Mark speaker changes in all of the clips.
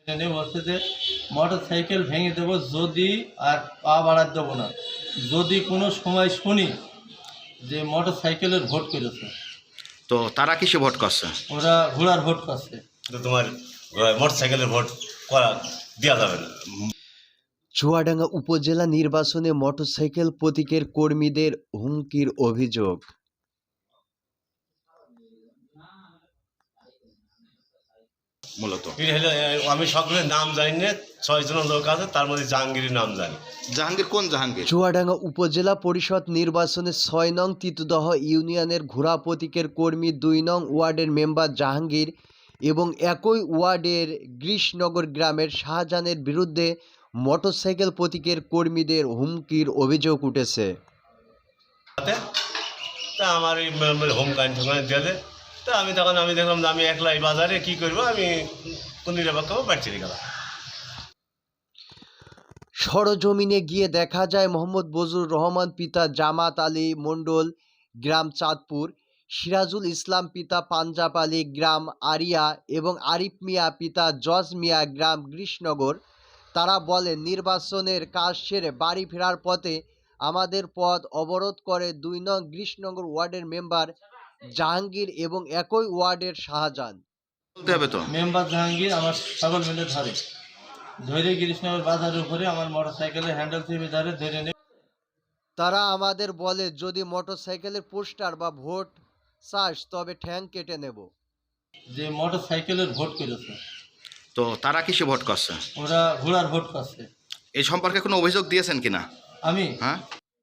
Speaker 1: এনে বলছে যে মোটর সাইকেল ভেঙে দেবো যদি, আর পা বাড়াতে দেবো না যদি কোনো সময় শুনি যে মোটর সাইকেলের ভোট করেছে।
Speaker 2: তো তারা কিসে ভোট করছে?
Speaker 1: ওরা ঘোড়ার ভোট করছে।
Speaker 3: তো তোমার মোটর সাইকেলের ভোট করা দেওয়া যাবে না।
Speaker 4: চুয়াডাঙ্গা উপজেলা নির্বাচনে মোটরসাইকেল প্রতীকের কর্মীদের হুমকির অভিযোগ।
Speaker 2: মূলত
Speaker 3: আমি সকলের নাম জানি না, 6 জন লোক আছে, তার মধ্যে জাহাঙ্গীরের নাম জানি।
Speaker 2: জাহাঙ্গীর কোন জাহাঙ্গীর?
Speaker 4: চুয়াডাঙ্গা উপজেলা পরিষদ নির্বাচনে 6 নং তিতুদহ ইউনিয়নের ঘোড়া প্রতীকের কর্মী 2 নং ওয়ার্ডের মেম্বার জাহাঙ্গীর এবং একই ওয়ার্ডের গ্রীষ্ণনগর গ্রামের শাহজাহানের বিরুদ্ধে মোটরসাইকেল প্রতীকের কর্মীদের হুমকির অভিযোগ উঠেছে।
Speaker 3: তা আমার এই হোম কারেন্ট দিয়ে দেয়। তা আমি দেখলাম যে আমি একলাই বাজারে কি করবো, আমি কোন নিরাপক্ষ বাড়ি চলে গেলাম।
Speaker 4: সরজমিনে গিয়ে দেখা যায় মোহাম্মদ বজরুর রহমান পিতা জামাত আলী মণ্ডল গ্রাম চাঁদপুর, সিরাজুল ইসলাম পিতা পাঞ্জাব আলী গ্রাম আরিয়া এবং আরিফ মিয়া পিতা জজ মিয়া গ্রাম গ্রীষ্ণনগর। তারা বলেন, নির্বাচনের কাজ সেরে বাড়ি ফেরার পথে আমাদের পথ অবরোধ করে 2 নং গ্রীষ্ণনগর ওয়ার্ডের মেম্বার জাহাঙ্গীর এবং একই ওয়ার্ডের শাহজাহান।
Speaker 2: বলতে হবে তো।
Speaker 1: মেম্বার জাহাঙ্গীর আমার সকল মিলে ধরে কৃষ্ণনগর বাজারের উপরে আমার মোটর সাইকেলের হ্যান্ডেল চেপে ধরে নিয়ে
Speaker 4: তারা আমাদের বলে, যদি মোটরসাইকেলের পোস্টার বা ভোট চাস তবে ঠ্যাং কেটে নেব।
Speaker 1: যে মোটর সাইকেলের ভোট করেছে।
Speaker 2: তো তারা কিসে ভোট করছে?
Speaker 1: ওরা ঘোড়ার ভোট করছে।
Speaker 2: এই সম্পর্কে কোনো অভিযোগ দিয়েছেন কিনা?
Speaker 1: আমি
Speaker 2: হ্যাঁ,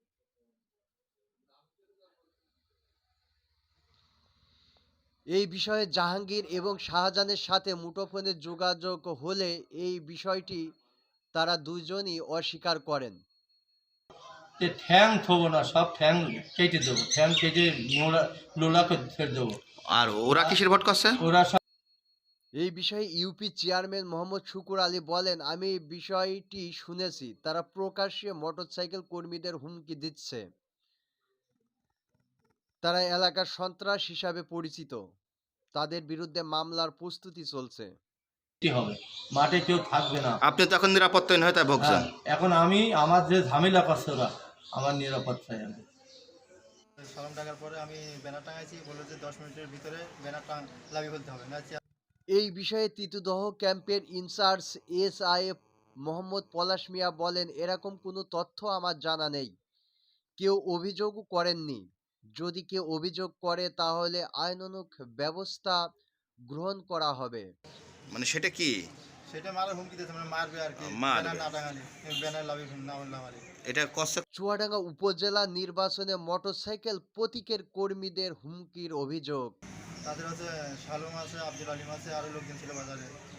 Speaker 4: এই বিষয়ে জাহাঙ্গীর এবং শাহজাহানের সাথে মুঠোফোনে যোগাযোগ হলে এই বিষয়টি তারা দুজনই অস্বীকার করেন।
Speaker 1: যে ঠ্যাং থবো না, সব ঠ্যাং কেটে দেবো, ঠ্যাং কেটে লোলা করে ছেড়ে দেবো।
Speaker 2: আর ওরা কিসের ভোট করছে?
Speaker 1: ওরা সব
Speaker 4: এই বিষয়ে ইউপি চেয়ারম্যান মোহাম্মদ শুকুর আলী বলেন, আমি এই বিষয়টি শুনেছি, তারা প্রকাশ্যে মোটরসাইকেল কর্মীদের হুমকি দিচ্ছে। তারা এলাকার সন্ত্রাস হিসাবে পরিচিত, তাদের বিরুদ্ধে মামলার প্রস্তুতি চলছে।
Speaker 1: হবে, মাঠে কেউ থাকবে না।
Speaker 2: আপনি তো এখন নিরাপত্তাহীন হয়ে তাই ভোগছেন।
Speaker 1: এখন আমি আমার যে ঝামেলা করছে ওরা, আমার নিরাপত্তায় আমি
Speaker 5: সালাম টাকার পরে আমি ব্যানার টাঙাইছি, বললো যে 10 মিনিটের ভিতরে ব্যানার লাভিয়ে ফেলতে হবে না।
Speaker 4: এই বিষয়ে তিতুদহ ক্যাম্পের ইনচার্জ SI মোহাম্মদ পলাশ মিয়া বলেন, এরকম কোনো তথ্য আমার জানা নেই, কেউ অভিযোগও করেননি। যদি কেউ অভিযোগ করে তাহলে আইনানুগ ব্যবস্থা গ্রহণ করা হবে।
Speaker 2: মানে সেটা কি?
Speaker 5: সেটা মারার হুমকি দিয়েছে, মানে মারবে আর কি,
Speaker 2: মারবে।
Speaker 5: ব্যানার না টাঙালে, ব্যানার লাভিয়ে না মারি।
Speaker 2: এটা করছে।
Speaker 4: চুয়াডাঙ্গা উপজেলা নির্বাচনে মোটরসাইকেল প্রতীকের কর্মীদের হুমকির অভিযোগ।
Speaker 5: তাদের হচ্ছে শালুম আছে, আব্দুল আলিম আছে, আরো লোকজন ছিল বাজারে।